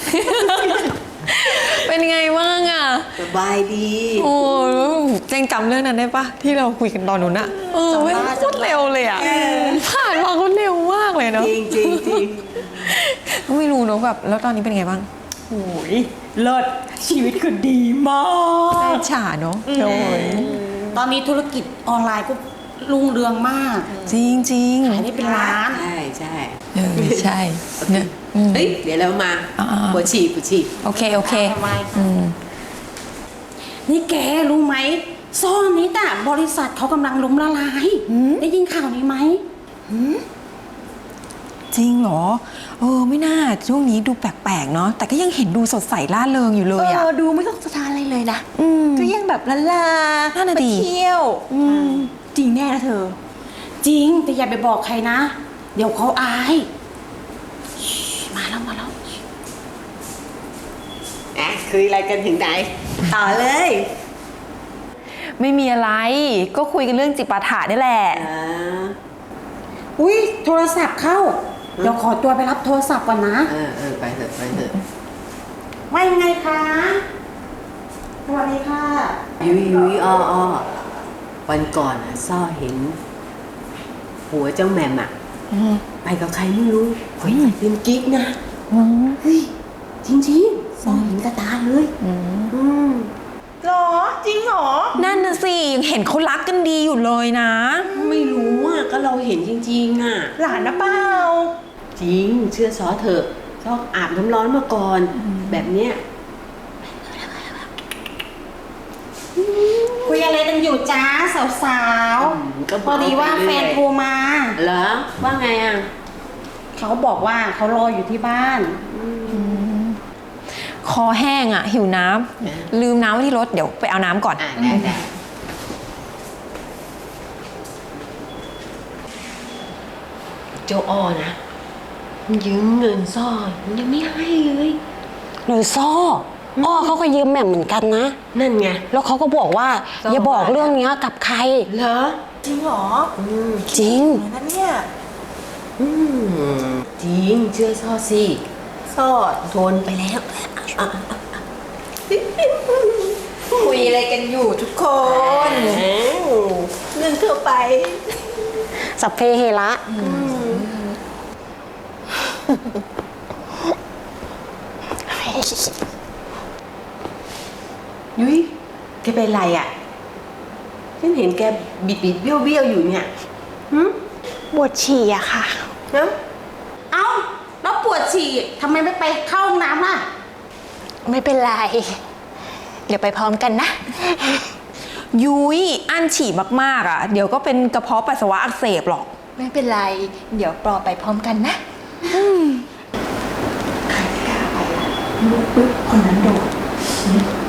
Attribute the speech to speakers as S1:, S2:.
S1: เป็นไงบ้างอ่ะ
S2: สบายดี
S1: โอ้เจงจำเรื่องนั้นได้ปะที่เราคุยกันตอนนู้นอะไม่โคตรเร็วเลยอะผ่านมาโคตรเร็วมากเลยเนาะ
S2: จริงจริงจริง
S1: ไม่รู้เนาะแบบแล้วตอนนี้เป็นไงบ้าง
S3: โอ้ยเลิศชีวิตคือดีมาก
S1: ฉาเนาะโอ้ย
S3: ตอนนี้ธุรกิจออนไลน์ก็รุ่งเรืองมาก
S1: จริงจริง
S3: ขายได้เป็นล้าน
S2: ใช่ใช่
S1: ใช่เนี่ย
S2: เฮ้ยเดี๋ยวเรามาปวดฉี่ปวดฉี่
S1: โอเคโอเค
S3: นี่แกรู้ไหมซ่อนนี้แต่บริษัทเขากำลังล้มละลายได้ยินข่าวนี้ไหม
S1: จริงเหรอไม่น่าช่วงนี้ดูแปลกๆเนาะแต่ก็ยังเห็นดูสดใสร่าเริงอยู่เลยอะ
S4: ดูไม่ต้องสะท้านอะไรเลยนะก็ยังแบบลา
S1: ไป
S4: เที่ยวจริงแน่นะเธอ
S3: จริงแต่อย่าไปบอกใครนะเดี๋ยวเขาอายมาแล้ว
S2: คุยอะไรกันถึงไหนต่อเลย
S1: ไม่มีอะไรก็คุยกันเรื่องจิปาถะนี่แหละ
S3: อุ้ยโทรศัพท์เข้าเดี๋ยวขอตัวไปรับโทรศัพท์ก่อนนะ
S2: ไปเถอะไปเถอะ
S3: ว่ายังไงคะสวัสดีค่ะ
S2: ยุยอ้อวันก่อนซ่อเห็นหัวเจ้าแหม่มไปกับใครไม่รู้เป็นกิ๊กนะเฮ้ยจริงๆซ่อเห็นกระตาเลย
S4: หรอจริงหรอ
S1: นั่นน่ะสิยังเห็นเขารักกันดีอยู่เลยนะ
S2: ไม่รู้ก็เราเห็นจริงๆ
S4: หลานนะเปล่า
S2: จริงเชื่อซอเถอะชอบอาบน้ำร้อนมาก่อนแบบเนี้ย
S3: คุยอะไรกันอยู่จ้าสาวๆพอดีว่าแฟนโทรมา
S2: เหรอว่าไง
S3: เขาบอกว่าเขารออยู่ที่บ้าน
S1: คอแห้งหิวน้ำลืมน้ำไว้ที่รถเดี๋ยวไปเอาน้ำก่อน
S2: ได้เจ้าอ้อนะยืมเงินซ่อยังไม่ให้เลย
S4: หรือซ่อเขาก็ยืมแหม่มเหมือนกันนะ
S2: นั่นไง
S4: แล้วเขาก็บอกว่าอย่าบอกเรื่องนี้กับใคร
S2: เหรอ
S4: จริงเหรอจริงนั่นเนี่ย
S2: จริงเชื่อซ่อสิซ่อทนไปแล้ว
S4: คุยอะไรกันอยู่ทุกคนเรื่องทั่วไปสัพเพเหระ
S2: ยุ้ยแกเป็นไรฉันเห็นแกบิดเบี้ยวอยู่เนี่ย
S4: ปวดฉี่อะค่ะ
S3: เอ้าแล้วปวดฉี่ทำไมไม่ไปเข้าห้องน้ำล่ะ
S4: ไม่เป็นไรเดี๋ยวไปพร้อมกันนะ
S1: ยุ้ยอั้นฉี่มากๆเดี๋ยวก็เป็นกระเพาะปัสสาวะอักเสบหรอก
S4: ไม่เป็นไรเดี๋ยวปลอไปพร้อมกันนะใครกล้าไปลุกปึ๊บคนนั้นโดด